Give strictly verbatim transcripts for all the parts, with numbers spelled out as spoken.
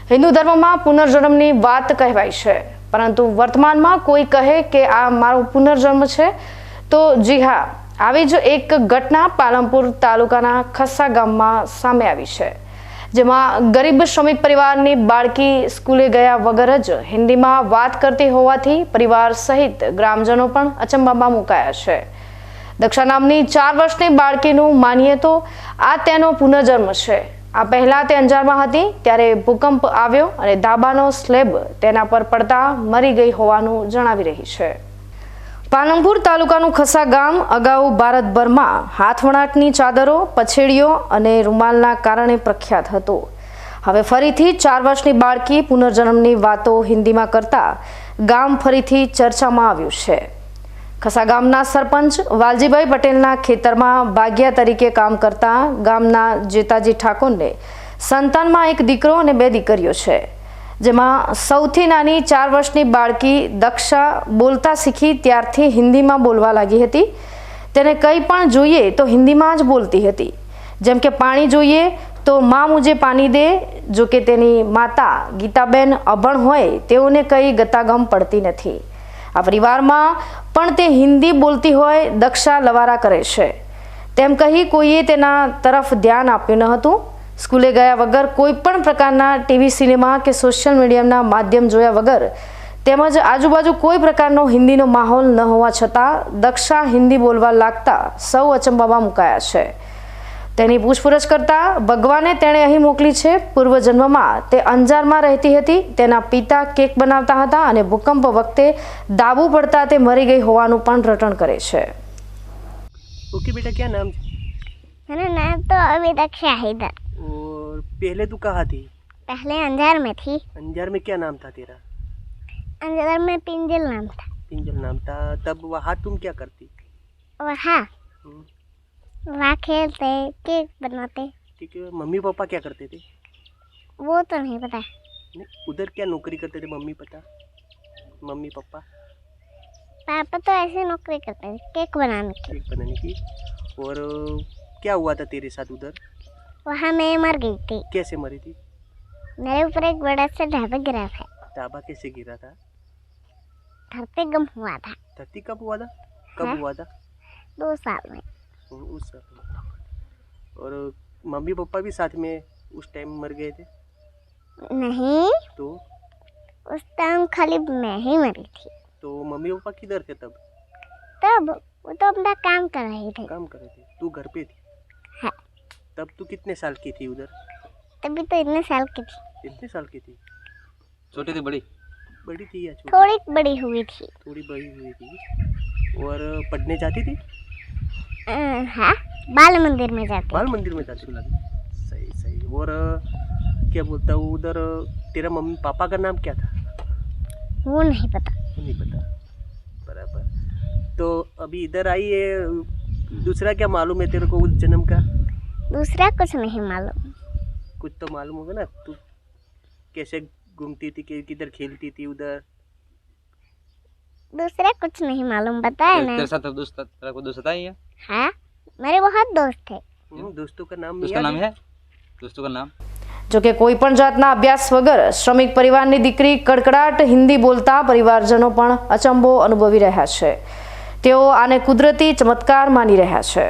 હિન્દુ ધર્મમાં પુનર્જન્મની વાત કહેવાય છે, પરંતુ વર્તમાનમાં કોઈ કહે કે આ મારો પુનર્જન્મ છે તો જી હા, આવી જ એક ઘટના પાલનપુર તાલુકાના ખસ્સા ગામમાં સામે આવી છે, જેમાં ગરીબ શ્રમિક પરિવારની બાળકી સ્કૂલે ગયા વગર જ હિન્દીમાં વાત કરતી હોવાથી પરિવાર સહિત ગ્રામજનો પણ અચંબામાં મુકાયા છે। દક્ષા નામની ચાર વર્ષની બાળકીનું માનીએ તો આ તેનો પુનર્જન્મ છે। આ પહેલા તે અંજારમાં હતી ત્યારે ભૂકંપ આવ્યો અને ધાબાનો સ્લેબ તેના પર પડતા મરી ગઈ હોવાનું જણાવી રહી છે। પાલનપુર તાલુકાનું ખસ્સા ગામ અગાઉ ભારતભરમાં હાથવણાટની ચાદરો, પછેડીઓ અને રૂમાલના કારણે પ્રખ્યાત હતું। હવે ફરીથી ચાર વર્ષની બાળકી પુનર્જન્મની વાતો હિન્દીમાં કરતા ગામ ફરીથી ચર્ચામાં આવ્યું છે। ખસ્સા ગામના સરપંચ વાલજીભાઈ પટેલના ખેતરમાં ભાગ્યા તરીકે કામ કરતા ગામના જેતાજી ઠાકોરને સંતાનમાં એક દીકરો અને બે દીકરીઓ છે, જેમાં સૌથી નાની ચાર વર્ષની બાળકી દક્ષા બોલતા શીખી ત્યારથી હિન્દીમાં બોલવા લાગી હતી। તેને કંઈ પણ જોઈએ તો હિન્દીમાં જ બોલતી હતી, જેમ કે પાણી જોઈએ તો માં મુજે પાણી દે। જો કે તેની માતા ગીતાબેન અભણ હોય તેઓને કંઈ ગતાગમ પડતી નથી। આ પરિવારમાં પણ તે હિન્દી બોલતી હોય દક્ષા લવારા કરે છે તેમ કહી કોઈએ તેના તરફ ધ્યાન આપ્યું ન હતું। સ્કૂલે ગયા વગર કોઈ પણ પ્રકારના ટીવી, સિનેમા કે સોશિયલ મીડિયાના માધ્યમ જોયા વગર તેમજ આજુબાજુ કોઈ પ્રકારનો હિન્દીનો માહોલ ન હોવા છતાં દક્ષા હિન્દી બોલવા લાગતા સૌ અચંબામાં મુકાયા છે। તેની પૂછપરછ કરતા ભગવાને તેણે અહીં મોકલી છે। પૂર્વજન્મમાં તે અંજારમાં રહેતી હતી, તેના પિતા કેક બનાવતા હતા અને ભૂકંપ વખતે દાબુ પડતા તે મરી ગઈ હોવાનું પણ રટણ કરે છે। ओके बेटा, क्या नाम? मेरा नाम तो अभी दक्षा है इधर। और पहले तू कहाँ थी? पहले अंजार में थी। अंजार में क्या नाम था तेरा? अंजार में पिंजल नाम था। पिंजल नाम था। तब वहाँ तुम क्या करती? वहाँ वहाँ खेलते, केक बनाते। ठीक है। मम्मी पापा क्या करते थे? वो तो नहीं पता। नहीं, उधर क्या नौकरी करते थे मम्मी पता मम्मी पापा? पापा तो ऐसे नौकरी करते थे, केक बनाने की। केक बनाने की। और क्या हुआ था तेरे साथ उधर? वहाँ मैं मर गई थी। कैसे मरी थी? मेरे ऊपर एक बड़ा सा ढाबा गिरा था। ढाबा कैसे गिरा था? धरती गम हुआ था। धरती कब हुआ था? कब हाँ? हुआ था? दो साल में। उस साल। और मम्मी पापा भी साथ में उस टाइम मर गए थे? नहीं, तो उस टाइम खाली मैं ही मरी थी। तो मम्मी पापा किधर थे तब? तब वो तो अपना काम कर रहे थे। काम कर रहे थे, तू घर पे थी? हाँ। तब तू कितने साल की थी उधर? तभी तो इतने साल की थी। इतने साल की थी? छोटी थी बड़ी? बड़ी थी या छोटी? थोड़ी बड़ी हुई थी। थोड़ी बड़ी हुई थी। और पढ़ने जाती थी? अ, हाँ, बाल मंदिर में जाती। बाल मंदिर में जाती थी। सही सही। और क्या बोलता हूँ, उधर तेरा मम्मी पापा का नाम क्या था? वो नहीं पता। नहीं पता। बराबर। तो अभी इधर आई है, दूसरा क्या मालूम है तेरे को उस जन्म का? दूसरा कुछ नहीं मालूम। कुछ तो मालूम होगा ना, तू कैसे घूमती थी, कि- किधर खेलती थी उधर? दूसरा कुछ नहीं मालूम, बताया ना। तेरे साथ दोस्त तेरा कोई दोस्त था ही है? हाँ, मेरे बहुत दोस्त थे। हम्म, दोस्तों का नाम उसका याद नाम है? है? दोस्तों का नाम? જો કે કોઈ પણ જાતના અભ્યાસ વગર શ્રમિક પરિવારની દીકરી કડકડાટ હિન્દી બોલતા પરિવારજનો પણ અચંબો અનુભવી રહ્યા છે। તેઓ આને કુદરતી ચમત્કાર માની રહ્યા છે।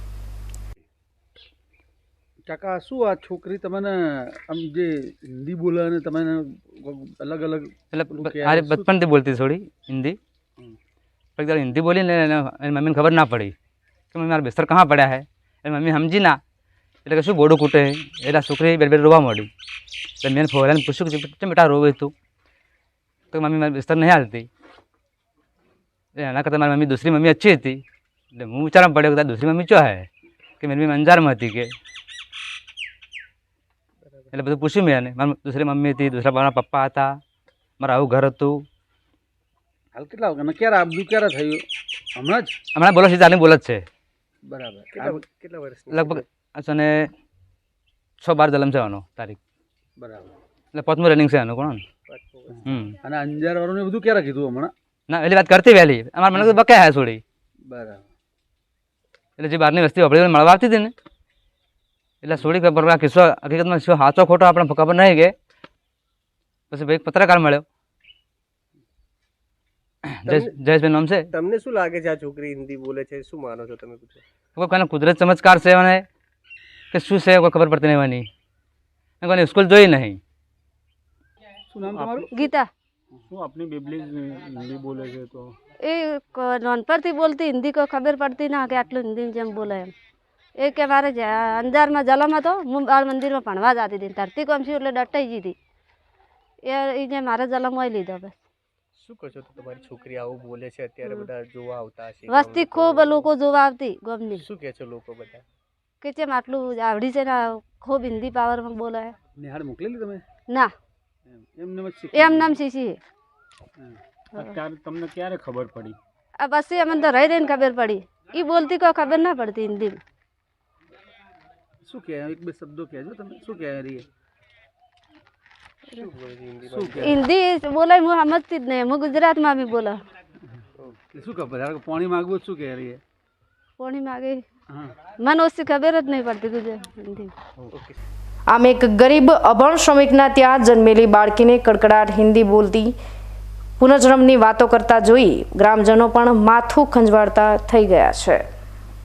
કાકા, શું આ છોકરી તમને આમ જે હિન્દી બોલે અને તમે અલગ અલગ मतलब अरे बचपन से बोलती थोड़ी हिंदी, पर एक बार हिंदी बोली ने मेरी मम्मी ने खबर ना पड़ी कि मम्मी मारा बिस्तर कहाँ पड़ा है। मेरी मम्मी समझी ना એટલે શું બોડું કૂટે એટલે છોકરી બે બે રોવા મળી। એટલે મેં ફોરાને પૂછ્યું કે કેમ બેટા રોવે તું? તો મમ્મી મારી બિસ્તર નહીં હાલતી। એના કરતાં મારી મમ્મી દૂસરી મમ્મી अच्छी હતી। એટલે હું વિચારવા પડ્યો કે દૂસરી મમ્મી ચો હે કે મેરી મમ્મી અંજારમાં હતી કે। એટલે બધું પૂછ્યું મેં એને, મારી દૂસરી મમ્મી હતી, દૂસરા મારા પપ્પા હતા, મારું આવું ઘર હતું। હાલ કેટલા વાગ્યા ક્યારે આ બધું ક્યારે થયું? હમણાં જ? હમણાં બોલો છે ચાલી બોલ જ છે। બરાબર। કેટલા કેટલા વર્ષની? લગભગ અને છ બાર જલમ છે આનો તારીખ। બરાબર। એટલે પાંચમું રનિંગ છે આનું કોણ? હમ અને અંજાર વાળું બધું ક્યારે કીધું હમણાં? ના એલી વાત કરતી વહેલી અમારે મને તો બકાય હે છોડી। બરાબર। એટલે જે બહારની વસ્તી આપણે મળવા આવતી હતી ને એટલે છોડી ખબર આ કિસ્સો હકીકતમાં શું સાચો ખોટો આપણે ખબર નહીં કે પછી એક પત્રકાર મળ્યો જયેશ જયેશભાઈ નામ છે. તમને શું લાગે છે આ છોકરી હિન્દી બોલે છે, શું માનો છો તમે? પૂછો. કોઈ કોઈને કુદરત ચમત્કાર છે મને કે શું છે કોઈ ખબર પડતી નહીં મને. કોઈને સ્કૂલ જોઈ નહીં. શું નામ તમારું? ગીતા શું આપની બેબલી હિન્દી બોલે છે તો એ ક- નાનપણથી બોલતી હિન્દી કોઈ ખબર પડતી ના કે આટલું હિન્દી જેમ બોલે એમ. એ કે મારે જ- અંજારમાં જલમ હતો, હું બાળ મંદિરમાં ભણવા જતી હતી, ધરતી કોમ છું એટલે ડટાઈ ગઈ હતી. એ એ જે મારે જલમ હોય લીધો બસ. શું કહો છો તો તમારી છોકરી આવું બોલે છે અત્યારે બધા જોવા આવતા હશે વસ્તી ખૂબ લોકો જોવા આવતી ગમની શું કહે છે લોકો બધા? કે જેમ આટલું આવડી છે ને ખૂબ હિન્દી પાવરમાં બોલે. નિહાળ મોકલેલી તમે? ના એમ એમને જ શીખી? એમ નામ શીશી. અત્યારે તમને ક્યારે ખબર પડી? આ પછી અમને તો રહી રહીને ખબર પડી. એ બોલતી કોઈ ખબર ના પડતી હિન્દીમાં. શું કહે? એક બે શબ્દો કહેજો તમે. શું કહે રહી? શું બોલે છે હિન્દીમાં? શું કહે? હિન્દી બોલે હું સમજતી જ નહીં, હું ગુજરાતમાં બી બોલા. શું ખબર? ધારો કે પાણી માગવું શું કહે રહી? કોણી માગે હા. મને ઓછી ખબર જ નહીં પડતી ગુજરાત હિન્દી. ઓકે. આમ એક ગરીબ અભણ શ્રમિકના ત્યાં જન્મેલી બાળકીને કડકડાટ હિન્દી બોલતી પુનર્જન્મની વાતો કરતા જોઈ ગ્રામજનો પણ માથું ખંજવાળતા થઈ ગયા છે.